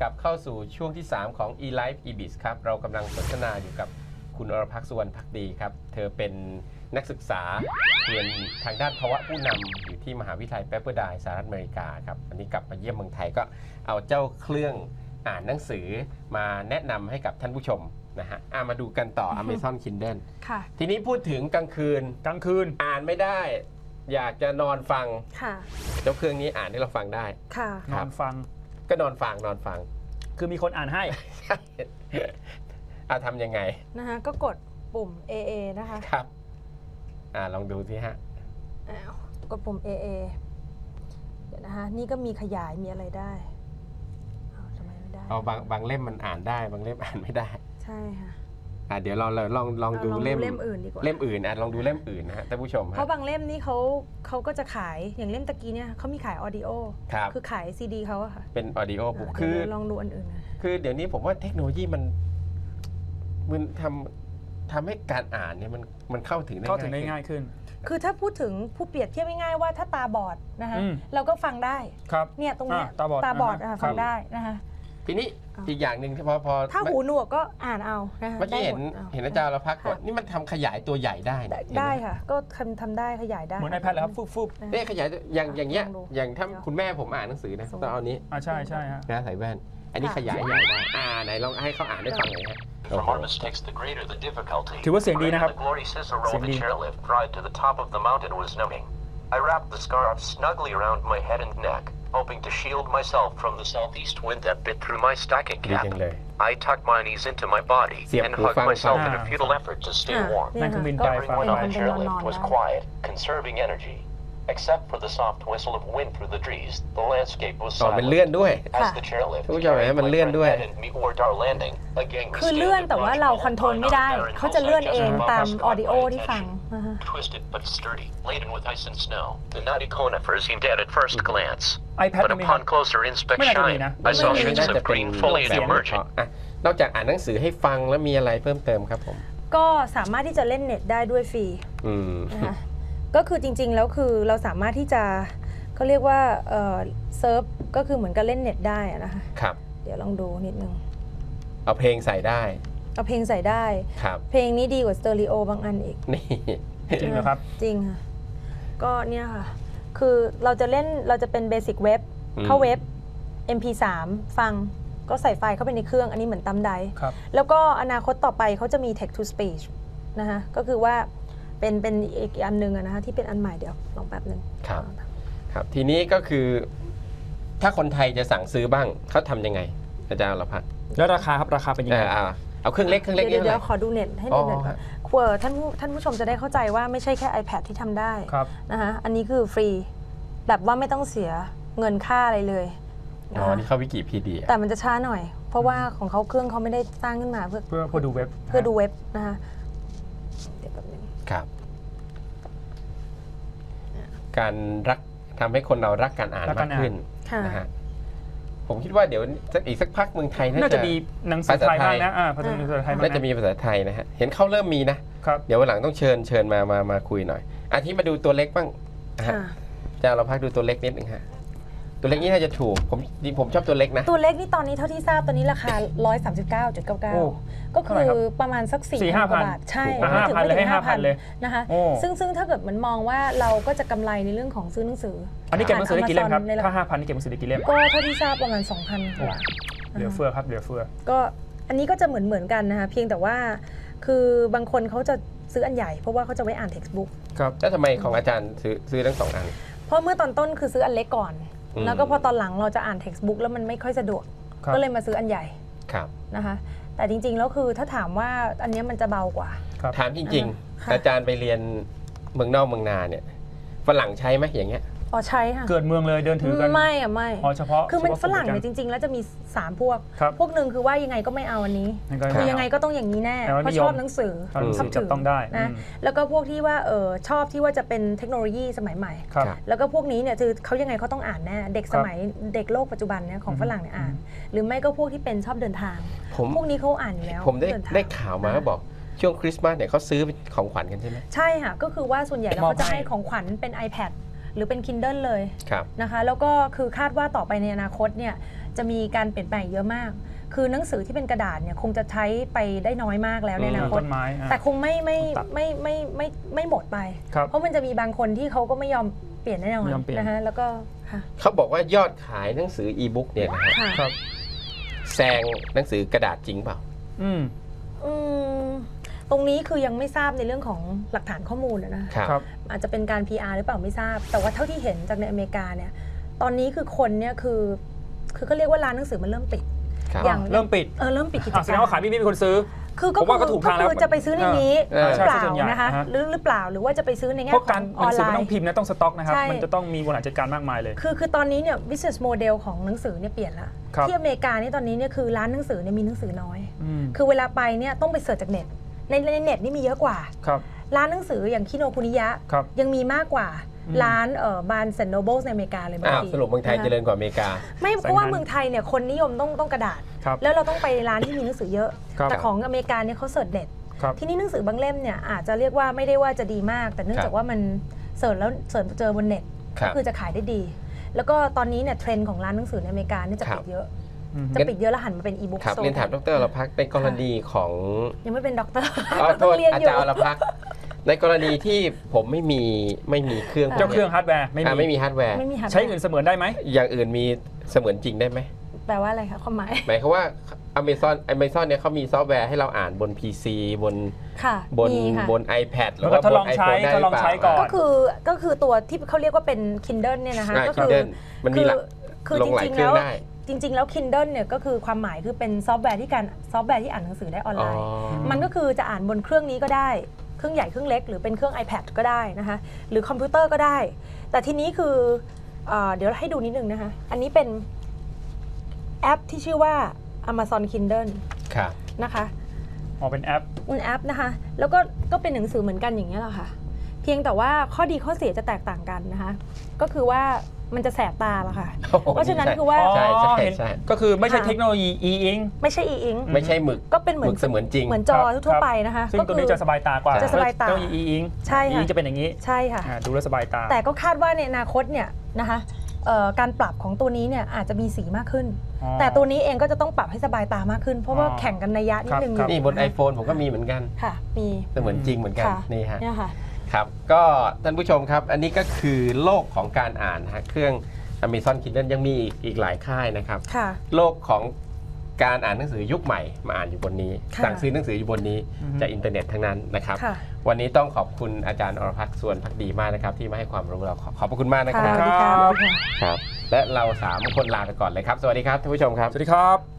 กลับเข้าสู่ช่วงที่ 3 ของ eLife eBiz ครับเรากำลังสนทนาอยู่กับคุณอรพักษ์ สุวรรณภักดีครับเธอเป็นนักศึกษาเรียนทางด้านภาวะผู้นำอยู่ที่มหาวิทยาลัยเปปเปอร์ไดน์สหรัฐอเมริกาครับวันนี้กลับมาเยี่ยมเมืองไทยก็เอาเจ้าเครื่องอ่านหนังสือมาแนะนำให้กับท่านผู้ชมนะฮะมาดูกันต่อ Amazon Kindle ค่ะทีนี้พูดถึงกลางคืนอ่านไม่ได้อยากจะนอนฟังค่ะเจ้าเครื่องนี้อ่านให้เราฟังได้ค่ะนอนฟังก็นอนฟังคือมีคนอ่านให้ทำยังไงนะคะก็กดปุ่ม AA นะคะครับลองดูสิฮะกดปุ่ม AA เดี๋ยวนะคะนี่ก็มีขยายมีอะไรได้ทำไมไม่ได้บางเล่มมันอ่านได้บางเล่มอ่านไม่ได้ใช่ค่ะเดี๋ยวเราลองดูเล่มอื่นดีกว่าเล่มอื่นลองดูเล่มอื่นนะฮะท่านผู้ชมเพราะบางเล่มนี่เขาก็จะขายอย่างเล่มตะกี้เนี่ยเขามีขายออดิโอครับคือขายซีดีเขาอะค่ะเป็นออดิโอบุ๊กเดี๋ยวลองดูอันอื่นนะคือเดี๋ยวนี้ผมว่าเทคโนโลยีมันทำให้การอ่านเนี่ยมันเข้าถึงได้ง่ายขึ้นคือถ้าพูดถึงผู้เปรียบเทียบง่ายๆว่าถ้าตาบอดนะคะเราก็ฟังได้ครับเนี่ยตรงเนี้ยตาบอดฟังได้นะคะทีนี้อีกอย่างหนึ่งที่พอถ้าหูหนวกก็อ่านเอานะคะเมื่อกี้เห็นอาจารย์เราพักก่อนค่ะนี่มันทำขยายตัวใหญ่ได้นะได้ค่ะ ก็ทำได้ขยายได้เหมือน iPad แล้วครับฟุบเนี่ยขยายอย่างเงี้ยลองดูอย่างถ้าคุณแม่ผมอ่านหนังสือนะต้องเอานี้ใช่ฮะนะใส่แว่น อันนี้ขยายใหญ่ได้ไหนลองให้เขาอ่านได้ฟังหน่อยฮะ The more mistakes, the greater the difficulty. ถือว่าเสียงดีนะครับ The glory Cicero เสียง the ดี chairlift ride to the top of the mountain was numbing. I wrapped the scarf snugly around my head and neck, hoping to shield myself from the southeast wind that bit through my stocking ดี cap. จังเลย I tucked my knees into my body Siap and หู hugged ฟัง myself in a ฟัง futile effort to stay warm. นั่นคือบินไกลฟัง Everyone ไป on the chairlift was ได้ quiet, conserving energy. Except for the soft whistle of wind through the trees, the landscape was มันเลื่อน silent. ด้วย As the chairlift ท่านผู้ชมเห็นไหม carried มัน my เลื่อน friend ด้วย Ed and me toward our landing, a gang we คือเลื่อน stood แต่ว่า watching เรา all คอนโทรล the ไม่ได้ barren เขาจะเลื่อน hillside เอง just ตาม above อ us อดิโอ caught my ที่ฟัง attention. นะคะ Twisted but sturdy, laden with ice and snow. The knotty conifers seemed dead at first glance, iPad but มีครับ upon closer ไม่ inspection, น่าจะมีนะ I saw ไม่ shoots น่าจะ of เป็น green foliage แบบ emerging. นอกจากอ่านหนังสือให้ฟังแล้วมีอะไรเพิ่มเติมครับผมก็สามารถที่จะเล่นเน็ตได้ด้วยฟรีอืมนะคะก็คือจริงๆแล้วคือเราสามารถที่จะเขาเรียกว่าเซิร์ฟก็คือเหมือนกับเล่นเน็ตได้อะนะคะครับเดี๋ยวลองดูนิดนึงเอาเพลงใส่ได้เอาเพลงใส่ได้ครับเพลงนี้ดีกว่าสเตอริโอบางอันอีกนี่จริงเหรอครับจริงค่ะ ก็เนี่ยค่ะ คือเราจะเป็นเบสิกเว็บเข้าเว็บ MP3 ฟังก็ใส่ไฟล์เข้าไปในเครื่องอันนี้เหมือนตำไดครับแล้วก็อนาคตต่อไปเขาจะมี text to speech นะคะก็คือว่าเป็นอีกอันหนึงอะนะคะที่เป็นอันใหม่เดี๋ยวลองแป๊บหนึ่งครับครับทีนี้ก็คือ ถ้าคนไทยจะสั่งซื้อบ้างเขาทำยังไง อาจารย์เราพักแล้วราคาครับราคาเป็นยังไงเอาเครื่องเล็กเดี๋ยวนี่ขอดูเน็ตให้เน็ตหน่อยอ๋อก่อนท่านผู้ชมจะได้เข้าใจว่าไม่ใช่แค่ iPad ที่ทำได้ครับนะคะอันนี้คือฟรีแบบว่าไม่ต้องเสียเงินค่าอะไรเลยอ๋อนะคะนี่เข้าวิกิพีเดียแต่มันจะช้าหน่อย เพราะว่าของเขาเครื่องเขาไม่ได้สร้างขึ้นมาเพื่อดูเว็บดูเว็บนะคะเดี๋ยวแป๊บนึงครับ การทำให้คนเรารักการอ่านมากขึ้นค่ะนะฮะผมคิดว่าเดี๋ยวอีกสักพักเมืองไทยน่าน่าจะจะมีหนังสือไทยบ้างนะภาษาไทยบ้างน่าจะนะมีภาษาไทยนะฮะเห็นเขาเริ่มมีนะครับเดี๋ยววันหลังต้องเชิญมาคุยหน่อยที่มาดูตัวเล็กบ้างนะฮะค่ะอาจารย์เราพักดูตัวเล็กนิดนึงฮะตัวเล็กนี่น่าจะถูกผมชอบตัวเล็กนะตัวเล็กนี่ตอนนี้เท่าที่ทราบตอนนี้ราคาโอ้ 139.99 ก็คืเท่าไหร่ครัอบ ประมาณสัก 4-5,000 4,000 กว่าบาท ใช่ 5,000เลยให้ 5,000 เลยนะคะโอ้ซึ่งถ้าเกิดมันมองว่าเราก็จะกำไรในเรื่องของซื้อหนังสืออันนี้เก็บหนังสือได้กี่เล่มครับในราถ้าคา 5,000นี่เก็บหนังสือได้กี่เล่มก็เท่าที่ทราบประมาณ 2,000 กว่าเหลือเฟือครับเหลือเฟือก็อันนี้ก็จะเหมือนกันนะคะเพียงแต่ว่าคือบางคนเขาจะซื้ออันใหญ่เพราะว่าเขาจะไว้อ่าน textbook ครับแล้วทำไมของอาจารย์ซื้อทั้ง2 อันเพราะเมื่อตอนต้นคือซื้ออันเล็กก่อน แล้วก็พอตอนหลังเราจะอ่าน textbook แล้วมันไม่ค่อยสะดวกครับก็เลยมาซื้ออันใหญ่ครับนะคะแต่จริงๆแล้วคือถ้าถามว่าอันเนี้ยมันจะเบากว่าครับถามจริงค่ะๆ อาจารย์ไปเรียนเมืองนอกเมืองนาเนี่ยฝรั่งใช้ไหมอย่างเงี้ยอ๋อใช่ค่ะเกิดเมืองเลยเดินถือกันไม่อะไม่อ๋อเฉพาะคือมันเฉพาะฝรั่งกลุ่มเนี่ยจริง ๆ แล้วจะมี 3 พวกครับพวกหนึ่งคือว่ายังไงก็ไม่เอาอันนี้ คือยังไงก็ต้องอย่างนี้แน่แต่ว่าเพราะนิยชมอบหนังสือหนังสือจับต้องได้นะแล้วก็พวกที่ว่าชอบที่ว่าจะเป็นเทคโนโลยีสมัยใหม่ครับแล้วก็พวกนี้เนี่ยคือเขายังไงเขาต้องอ่านแน่เด็กสมัยเด็กโลกปัจจุบันเนี่ยของฝรั่งเนี่ยอ่าน หรือไม่ก็พวกที่เป็นชอบเดินทางผมพวกนี้เขาอ่านอยู่แล้วผมได้เนทงได้ข่าวมาก็บอกช่วงคริสต์มาสเนี่ยเขาซื้อเป็นของขวัญกันใช่ไหมใช่ค่ะก็คือว่าส่วนใหญ่แล้วมอบเขาจะให้ให้ของขวัญเป็น iPad หรือเป็น Kindle เลยครับนะคะแล้วก็คือคาดว่าต่อไปในอนาคตเนี่ยจะมีการเปลี่ยนแปลงเยอะมาก คือหนังสือที่เป็นกระดาษเนี่ยคงจะใช้ไปได้น้อยมากแล้วในอนาคตต้นไม้อ่ะแต่คงไม่หมดไปครับเพราะมันจะมีบางคนที่เขาก็ไม่ยอมเปลี่ยนแน่นอนไม่ยอมเปลี่ยนนะคะแล้วก็ค่ะเขาบอกว่ายอดขายหนังสืออีบุ๊กเนี่ยนะฮะค่ะครับแซงหนังสือกระดาษจริงเปล่าอืมอืมตรงนี้คือยังไม่ทราบในเรื่องของหลักฐานข้อมูลนะครับอาจจะเป็นการ PR หรือเปล่าไม่ทราบ แต่ว่าเท่าที่เห็นจากในอเมริกาเนี่ยตอนนี้คือคนเนี่ยคือเขาเรียกว่าร้านหนังสือมันเริ่มปิดครับอย่างเริ่มปิดเริ่มปิดกิจแสดกาง รว่าขายไม่มีคนซื้อคือผมว่าก็ถูกทางแล้วคือจะไปซื้อในนี้เออหรือเปล่าใช่ส่วนใหญ่นะคะฮะหรือเปล่าหรือว่าจะไปซื้อในแง่เพราะขกาอรง หออนันงสือไลมันต้องน์พิมพ์นะต้องสต็อกนะครับใช่มันจะต้องมีบริหารจัดการมากมายเลยคือตอนนี้เนี่ย business model ของหนังสือเนี่ยเปลี่ยนละครับที่อเมริกานี่ตอนนี้เนี่ยคือร้านหนังสือเนี่ยมีหนังสือน้อยอืมคือเวลาไปเนี่ยต้องไปเสิร์ชจากเน็ตในเน็ตนี่มีเยอะกว่าครับร้านหนังสืออย่างคิโนคุนิยะครับยังมีมากกว่าอืมร้านบานเซนโนเบิลในอเมริกาเลยบางอ้าวทีสรุปเมืองไทยเจริญกว่าอเมริกาไม่เพราะว่าเมืองไทยเนี่ยคนนิยมต้องกระดาษครับแล้วเราต้องไปร้านที่มีหนังสือเยอะครับแต่ของอเมริกาเนี่ยเขาเสิร์ชเน็ตครับที่นี่หนังสือบางเล่มเนี่ยอาจจะเรียกว่าไม่ได้ว่าจะดีมาก แต่เนื่องจากว่ามันเสิร์ชแล้วเสิร์ชเจอบนเน็ตครัก็บคือจะขายได้ดี แล้วก็ตอนนี้เนี่ยเทรนด์ของร้านหนังสือในอเมริกาเนี่ยจะครับปิดเยอะอืมจะปิดเยอะแล้วหันมาเป็นอีบุ๊กครับโซเรียนถามดรอรพักษ์ในกรณีของยังไม่เป็นด็อกเตอร์อ๋อโทต้องษเรียนอาอยู่จารย์อรพักษ์ในกรณีที่ผมไม่มีเครื่องเจ้าเครื่องฮาร์ดแวร์ไม่ไม่มีมีฮาร์ดแวร์ไม่มีหาใช้อื่นเสมือนได้ไหมอย่างอื่นมีเสมือนจริงได้ไหมแปลว่าอะไรคะความหมายหมายความว่า Amazon เนี่ยเขามีซอฟต์แวร์ให้เราอ่านบน PC บนค่ะบนมีค่ะบน iPad หรืแล้อวก็ว่าทดบลนองใช้ iPhone ได้ทดลองใช้ก่อนก็คือตัวที่เขาเรียกว่าเป็น Kindle เนี่ยนะคะก็คือ Kindle มันมีหลักคือลจงหลายริงเคๆรื่แล้องวได้จริง ๆ แล้ว Kindle เนี่ยก็คือความหมายคือเป็นซอฟต์แวร์ที่อ่านหนังสือได้ออนอ๋ไลอน์ มันก็คือจะอ่านบนเครื่องนี้ก็ได้ เครื่องใหญ่เครื่องเล็กหรือเป็นเครื่อง iPad ก็ได้นะคะหรือคอมพิวเตอร์ก็ได้ แต่ทีนี้คือเดี๋ยวให้ดูนิดนึงนะคะอันนี้เป็นแอปที่ชื่อว่า Amazon Kindle ครับนะคะอ๋อเป็นแอปเป็นแอปนะคะแล้วก็เป็นหนังสือเหมือนกันอย่างนี้ยแหละค่ะเพียงแต่ว่าข้อดีข้อเสียจะแตกต่างกันนะคะก็คือว่ามันจะแสบตาละค่ะโอ้โหเพราะฉะนั้นคือว่าใช่ใช่เห็นใช่ก็คือไม่ใช่ค่ะเทคโนโลยี e-ink ไม่ใช่ e-ink ไม่ใช่หมึกก็เป็นเหมือนเสมือนจริงเหมือนจอทั่วๆไปนะคะซึ่งก็ตัวคืนี้จะสบายตากว่าจะสบายตาเทคโนโลยี e-ink ใช่ค่ะ e-ink จะเป็นอย่างนี้ใช่ค่ะดูแล้วสบายตาแต่ก็คาดว่าในอนาคตเนี่ยนะคะการปรับของตัวนี้เนี่ยอาจจะมีสีมากขึ้นอ๋อแต่ตัวนี้เองก็จะต้องปรับให้สบายตามากขึ้น เพราะว่าอ๋อแข่งกันนัยยะนิดนึงครับนี่บน iPhone ผมก็มีเหมือนกันค่ะมีเสมือนจริงเหมือนกันค่ะนี่ฮะเนี่ยค่ะครับก็ท่านผู้ชมครับ อันนี้ก็คือโลกของการอ่านนะฮะเครื่อง Amazon Kindle ยังมีอีกหลายค่ายนะครับค่ะโลกของการอ่านหนังสือยุคใหม่มาอ่านอยู่บนนี้ค่ะสั่งซื้อหนังสืออยู่บนนี้อือฮึจากอินเทอร์เน็ตทั้งนั้นนะครับค่ะวันนี้ต้องขอบคุณอาจารย์อรพักษ์ส่วนพักดีมากนะครับ ที่มาให้ความรู้เราขอบพระคุณมากนะคค่ะรับสวัสดีค่ะครับ และเรา3คนลาไปก่อนเลยครับ สวัสดีครับท่านผู้ชมครับสวัสดีครับ